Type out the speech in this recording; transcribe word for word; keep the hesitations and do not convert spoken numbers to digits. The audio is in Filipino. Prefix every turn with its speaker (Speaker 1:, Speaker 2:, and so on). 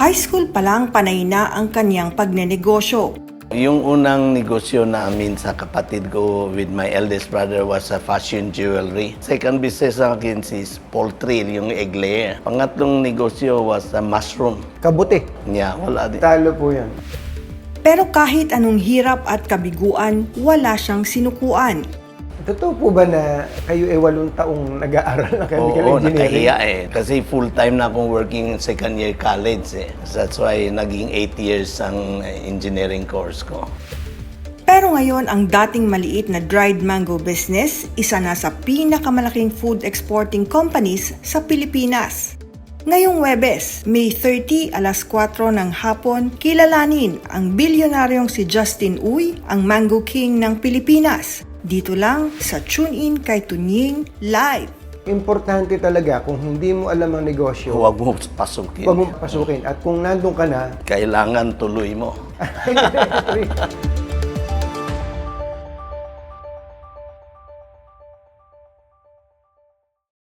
Speaker 1: High school pa lang panay na ang kanyang pagnenegosyo.
Speaker 2: Yung unang negosyo namin sa kapatid ko with my eldest brother was a fashion jewelry. Second business sa akin is poultry, yung egg layer. Pangatlong negosyo was a mushroom.
Speaker 3: Kabuti.
Speaker 2: Yeah, wala din.
Speaker 3: Talo po yan.
Speaker 1: Pero kahit anong hirap at kabiguan, wala siyang sinukuan.
Speaker 3: Totoo po ba na kayo ay walong taong nag-aaral ng chemical
Speaker 2: Oo,
Speaker 3: engineering?
Speaker 2: nakahiya eh. Kasi full-time na akong working second year college eh. That's why naging eight years ang engineering course ko.
Speaker 1: Pero ngayon, ang dating maliit na dried mango business, isa na sa pinakamalaking food exporting companies sa Pilipinas. Ngayong Huwebes, May thirty, alas kwatro ng hapon, kilalanin ang bilyonaryong si Justin Uy, ang Mango King ng Pilipinas. Dito lang sa Tune In kay Tunying Live.
Speaker 3: Importante talaga kung hindi mo alam ang negosyo,
Speaker 2: Huwag mo pasukin.
Speaker 3: huwag mo pasukin. At kung nandun ka na,
Speaker 2: Kailangan tuloy mo.